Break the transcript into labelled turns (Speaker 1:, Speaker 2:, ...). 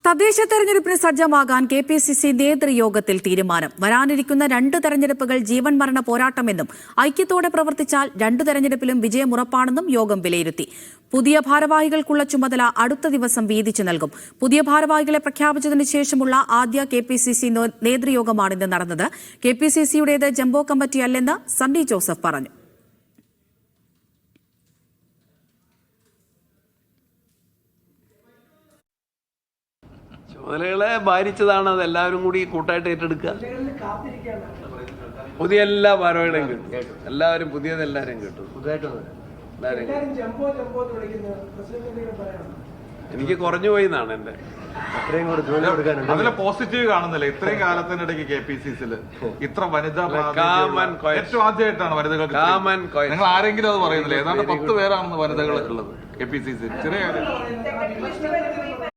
Speaker 1: തദ്ദേശ തെരഞ്ഞെടുപ്പിന് സജ്ജമാകാൻ KPCC നേതൃയോഗത്തിൽ തീരുമാനം. വരാനിരിക്കുന്ന 2 തെരഞ്ഞെടുപ്പുകൾ ജീവൻ മരണ പോരാട്ടമെന്നും ഐക്യത്തോടെ പ്രവർത്തിച്ചാൽ 2 തെരഞ്ഞെടുപ്പിലും വിജയമുറപ്പാണെന്നും യോഗം വിലയിരുത്തി. പുതിയ ഭാരവാഹികൾക്കുള്ള ചുമതല അടുത്ത ദിവസം വീതിച്ചു നൽകും. പുതിയ ഭാരവാഹികളെ പ്രഖ്യാപിച്ചതിനു ശേഷമുള്ള ആദ്യ KPCC നേതൃയോഗമാണ് ഇന്ന് നടന്നത്. KPCCയുടേത് ജംബോ കമ്മിറ്റിയല്ലെന്ന് സണ്ണി ജോസഫ് പറഞ്ഞു.
Speaker 2: ചുമതലകളെ ഭാരിച്ചതാണ്. അത് എല്ലാവരും കൂടി കൂട്ടായിട്ട് ഏറ്റെടുക്കുക. പുതിയ എല്ലാ ഭാരവാഹികളെയും കിട്ടും. എല്ലാവരും പുതിയതെല്ലാവരും കിട്ടും. എനിക്ക് കുറഞ്ഞു പോയി എന്നാണ് എന്റെ
Speaker 3: അതിലെ പോസിറ്റീവ് കാണുന്നില്ല. ഇത്രയും കാലത്തിനിടയ്ക്ക് KPCCയിൽ ഇത്ര വനിതാ ഏറ്റവും ആദ്യമായിട്ടാണ് വനിതകൾക്ക്. നിങ്ങൾ ആരെങ്കിലും അത് പറയുന്നില്ല. ഏതാണ്ട് 10 പേരാണെന്ന് വനിതകൾ ഉള്ളത് KPCC. ചെറിയ കാര്യം.